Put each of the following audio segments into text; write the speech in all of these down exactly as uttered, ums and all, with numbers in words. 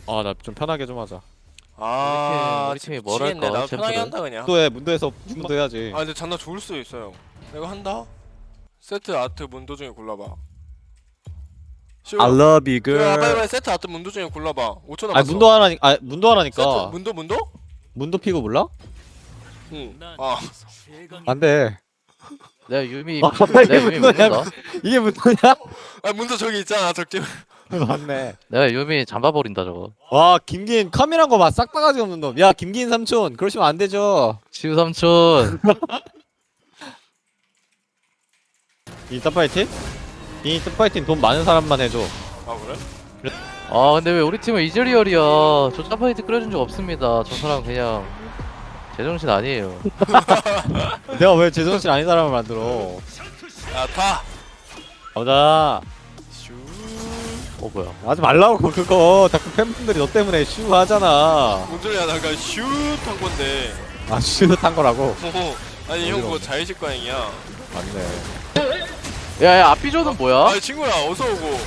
아 나 좀 편하게 좀 하자. 아, 우리 팀- 우리 팀이 뭘 미치겠네. 할까, 나도 편하게 챔프를? 한다 그냥. 문도해 문도에서 문도 해야지. 아 근데 장난 좋을 수도 있어요. 내가 한다. 세트 아트 문도 중에 골라봐. 쉬워. I love you 그래, 아, 빨리 girl. 빨리 세트 아트 문도 중에 골라봐. 오 초 아 남았어. 문도 하나니 아 문도 세트 하나니까. 문도 문도? 문도 피고 몰라? 응. 아, 안돼. 내가 유미 아, 내가 이게 유미 문도냐? 묻는다. 이게 문도냐? 아 문도 저기 있잖아 적지. 맞네. 내가 유미 잠바버린다 저거. 와 김긴 카메라인 거봐 싹 바가지 없는 놈. 야 김긴 삼촌 그러시면 안 되죠. 치우 삼촌. 인스타 파이팅? 인스타 파이팅 돈 많은 사람만 해줘. 아 그래? 아 근데 왜 우리 팀은 이즈리얼이야. 저 짜파이트 끓여준 적 없습니다. 저 사람 그냥 제정신 아니에요. 내가 왜 제정신 아닌 사람을 만들어? 야 타. 가보자. 슈. 어 뭐야? 하지 말라고 그거. 자꾸 팬분들이 너 때문에 슈 하잖아. 뭔 소리야? 나 아까 슛한 건데. 아 슈한 거라고? 어, 아니 형 어지러워. 그거 자의식 과잉이야. 맞네. 야야 앞비조는 뭐야? 아 친구야 어서 오고.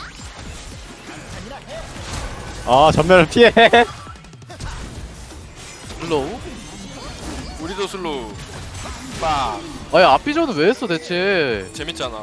아 전면을 피해. 슬로우? 우리도 슬로우. 빡. 아야 앞비조는 왜 했어 대체? 재밌잖아.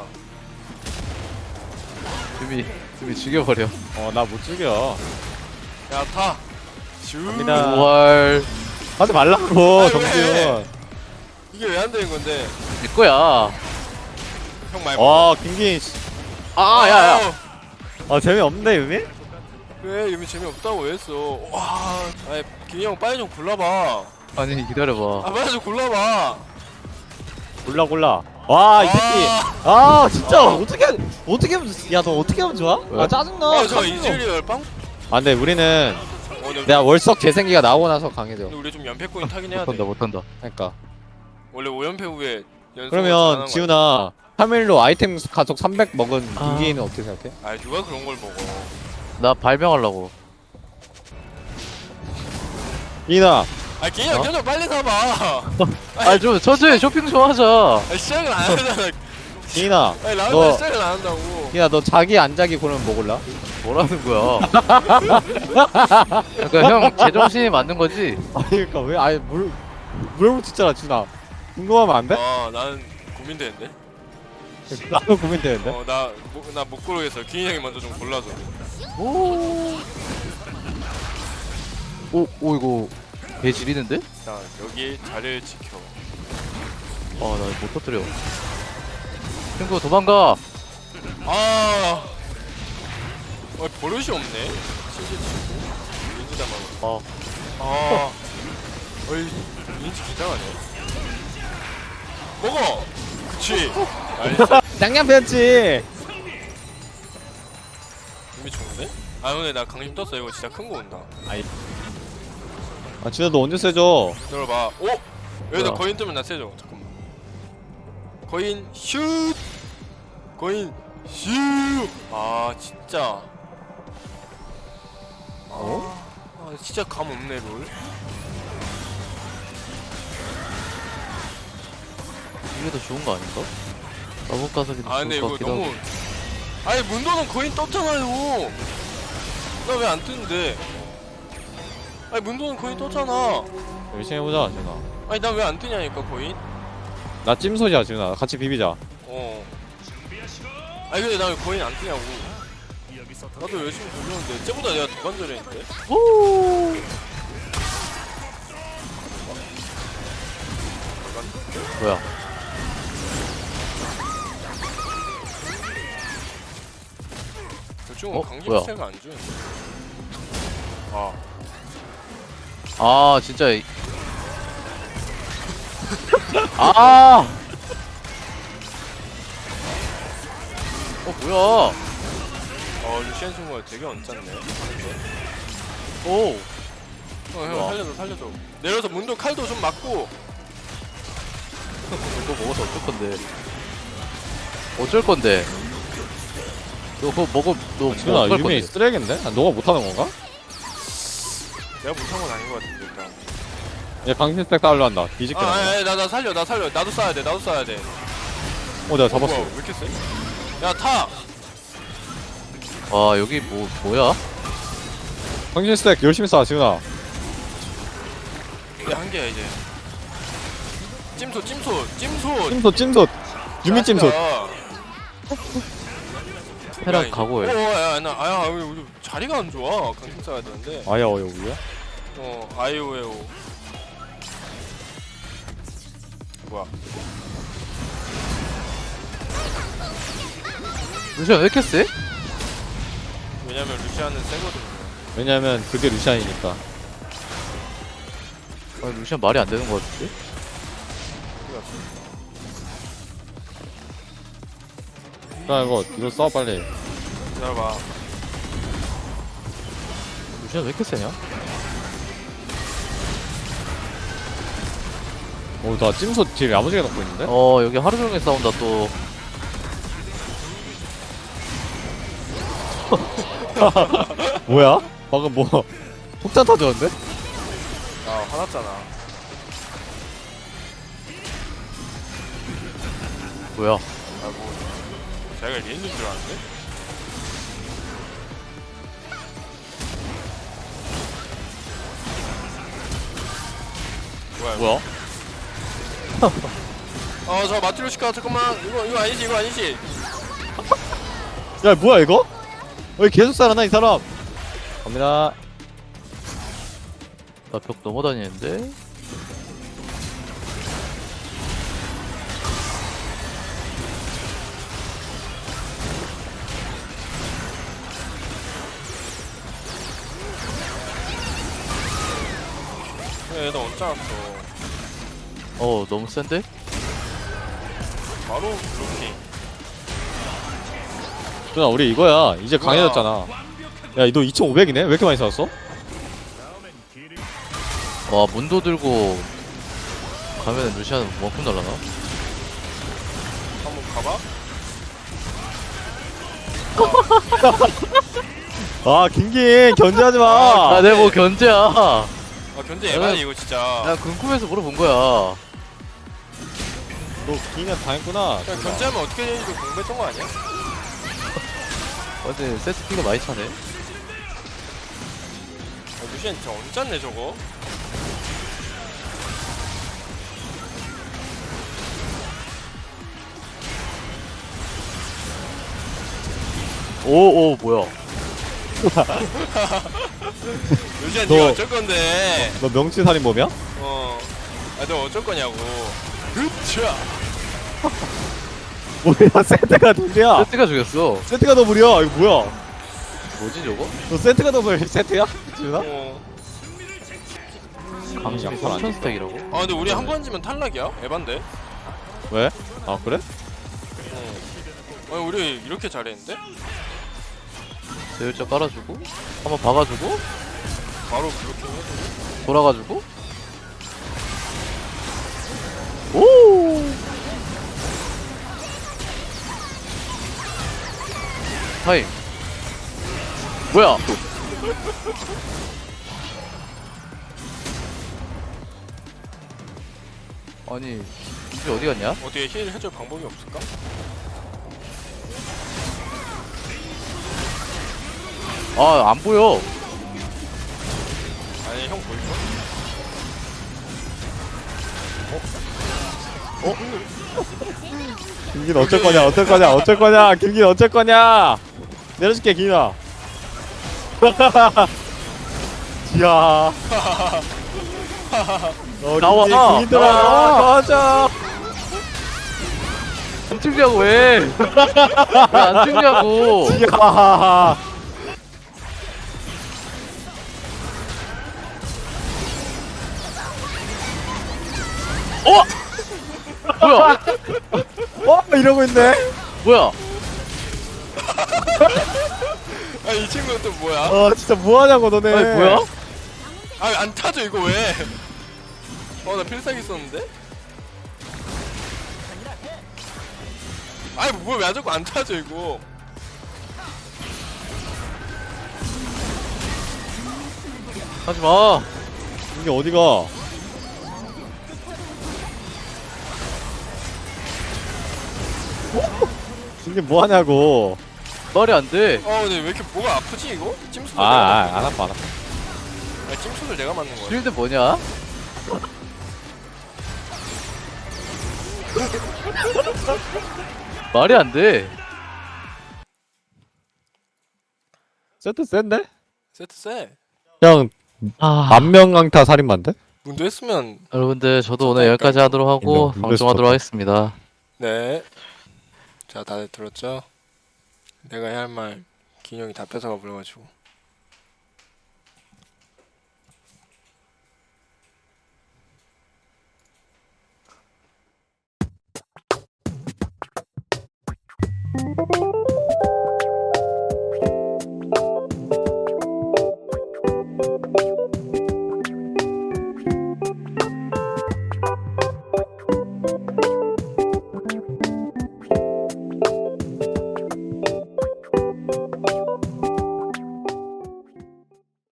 유미 유미 죽여버려. 어 나 못 죽여. 야 타. 슈. 갑니다. 월 하지 말라고 아니, 정지훈. 이게 왜 안 되는 건데? 내 거야. 형 말고. 와 김긴 씨. 아 야야. 아 재미없네 유미? 왜 유미 재미없다고 왜 했어? 와. 아니 김이 형 빨리 좀 골라봐. 아니 기다려봐. 아 빨리 좀 골라봐. 골라 골라. 와 이 새끼. 아, 아 진짜 어떻게 어떻게 하면 야 너 어떻게 하면 좋아? 왜? 아 짜증나. 아, 저 카메라. 이즈리얼 빵? 아 근데 우리는 어, 근데, 내가 월석 재생기가 나오고 나서 강해져. 근데 우리 좀 연패 코인 타긴 해야 돼. 못한다 못한다. 그러니까. 원래 오 연패 후에 연속 그러면 지훈아 카멜로 아이템 가속 삼백 먹은 아. 김기인은 어떻게 생각해? 아 누가 그런 걸 먹어? 나 발명하려고. 이나. 아 기영 어? 형 빨리 사봐. 아 좀 천천히 쇼핑 좀 하자. 아 시작을 안 하잖아. 이나. 아니 너- 라운드 시작을 안 한다고. 이나 너 자기 안 자기 고르면 뭐 골라? 뭐라는 거야? 그러니까 형 제정신이 맞는 거지? 아니 그러니까 왜 아예 물 물어붙였잖아 준아. 궁금하면 안 돼? 아 나는 고민되는데. 나도 고민되는데. 어나나 못 고르겠어. 기인 형이 먼저 좀 골라줘. 오. 오, 오 이거 배 지리는데? 자 여기 자리를 지켜. 아, 나 못 터뜨려. 친구 도망가. 아. 어 버릇이 없네. 신지 치고 인지 담아. 어. 아. 어이 인지 기장하네. 먹어. 그치. 알겠어. 쌍냥패였지. 이미 좋은데? 아 오늘 나 강심 떴어. 이거 진짜 큰 거 온다. 아 준아 너 언제 세져? 들어봐. 오! 여기다 뭐야? 거인 뜨면 나 세져. 잠깐만. 거인 슛! 거인 슛! 아 진짜. 어? 아 진짜 감 없네 롤. 이게 더 좋은 거 아닌가? 나못 가서 아 근데 좋을 이거 것 같기도 너무. 하고. 아니 문도는 거인 떴잖아요. 나 왜 안 뜨는데? 아니 문도는 거인 떴잖아. 열심히 해보자 준아. 아니 나 왜 안 뜨냐니까 거인? 나 찜소지야 준아. 같이 비비자. 어. 아니 근데 나 왜 거인 안 뜨냐고. 나도 열심히 돌렸는데 쟤보다 내가 더 간절했는데. 오. 뭐야? 요즘은 어? 강심 뭐야? 스택을 안 주는데. 아. 아, 진짜. 이- 아. 어, 뭐야? 어 루시안 친구가 되게 언짢네. 오. 어, 형 뭐야? 살려줘 살려줘. 내려서 문도 칼도 좀 맞고. 이거 먹어서 어쩔 건데? 어쩔 건데? 너 그거 먹어, 너 준아 뭐 어쩔 유미 건데? 쓰레기인데? 아, 너가 못하는 건가? 내가 못한 건 아닌 것 같은데 일단. 얘 강신 스택 쌓으려 한다. 뒤집게 아, 나온다. 아니, 나, 나 살려, 나 살려. 나도 쏴야 돼, 나도 쏴야 돼. 어 내가 어, 잡았어. 뭐야, 왜 이렇게 세? 야, 타! 와, 여기 뭐, 뭐야? 정신 스택 열심히 쏴 지훈아. 이게 한계야 이제. 찜소 찜소 찜소. 찜솥 찜솥. 유미 찜솥. 페락 각오해. 어야나 아야 우리 자리가 안 좋아. 강심 써야 되는데. 아야 어여 우야? 어 아이오에오. 뭐야? 루시안 왜 이렇게 세? 왜냐면 루시아는 세거든요. 왜냐면 그게 루시안이니까. 아니 루시안 말이 안 되는 거 같은데? 야 이거 이거 써 빨리. 기다려봐. 루시안 왜 이렇게 세냐? 오나 찜솥 딜 야무지게 넣고 있는데? 어 여기 하루 종일 싸운다 또. 뭐야? 방금 뭐 폭탄 터졌는데? 아 화났잖아. 뭐야? 아뭐 자기가 리엔인 줄 알았는데? 뭐야? 뭐야? 어저 마트로시카 잠깐만 이거 이거 아니지 이거 아니지? 야 뭐야 이거? 왜 계속 살아나 이 사람? 갑니다. 나 벽 넘어다니는데? 얘나 언제 왔어? 어 너무 센데? 바로 블로킹. 준아 우리 이거야. 이제 강해졌잖아. 야 너 이천오백이네? 왜 이렇게 많이 쐈어? 와 문도 들고 가면은 루시안 원품 날라나? 한번 가봐. 아 김긴 견제하지 마. 아, 아 내가 뭐 견제야. 아 견제 야, 에바니 이거 진짜. 나 궁금해서 물어본 거야. 너 기인한 당했구나. 야 견제하면 어떻게 되는지 공부했던 거 아니야? 근데 세트 피가 많이 차네. 아, 루시안 진짜 언짢네 저거. 오오 뭐야? 루시안 너- 니가 어쩔 건데? 너 명치살인범이야? 어. 아 너 어쩔 거냐고. 흡차. 뭐야 세트가 둘이야. 세트가 죽였어. 세트가 더블이야. 이거 뭐야? 뭐지 저거? 너 세트가 더블 세트야? 준아? 어. 강심이 약간 안 삼천 스택이라고? 아 근데 우리 한 번 지면 탈락이야? 에반데? 왜? 아 그래? 어. 아니 우리 이렇게 잘했는데? 세율자 깔아주고 한번 박아주고 바로 블로킹 해주고. 돌아가지고 오 타임 뭐야? 아니 이게 어디 갔냐? 어떻게 힐 해줄 방법이 없을까? 아 안 보여. 아니 형 보일까? 김긴 어쩔 거냐? 어쩔 거냐? 어쩔 거냐? 김긴 어쩔 거냐? 내려줄게 김이나. 이야. 어, 나와. 김긴, 김이들아. 나와. 도와줘. 안 찍냐고 왜? 왜 안 찍냐고? 이야. 어? 뭐야? 어 이러고 있네. 뭐야? 아 이 친구는 또 뭐야? 어 진짜 뭐하냐고 너네. 아니 뭐야? 아 안 타죠 이거 왜? 어 나 필살기 썼는데? 아니 뭐야 왜 안 자꾸 안 타죠 이거? 하지마. 이게 어디가? 이게 뭐하냐고. 말이 안 돼. 어 근데 왜 이렇게 뭐가 아프지 이거? 찜수 아, 아, 안 아파, 안 아파. 야, 찜소를 내가 맞는 거야. 쉴드 뭐냐? 말이 안 돼. 세트 센데? 세트 세. 그냥 아, 만명강타 살인마인데? 문도 했으면 여러분들 저도 오늘 좋다니까, 여기까지 하도록 하고 인정. 방송하도록 좋다. 하겠습니다. 네. 자, 다들 들었죠? 내가 해야 할 말 기념이 다 뺏어가 버려가지고.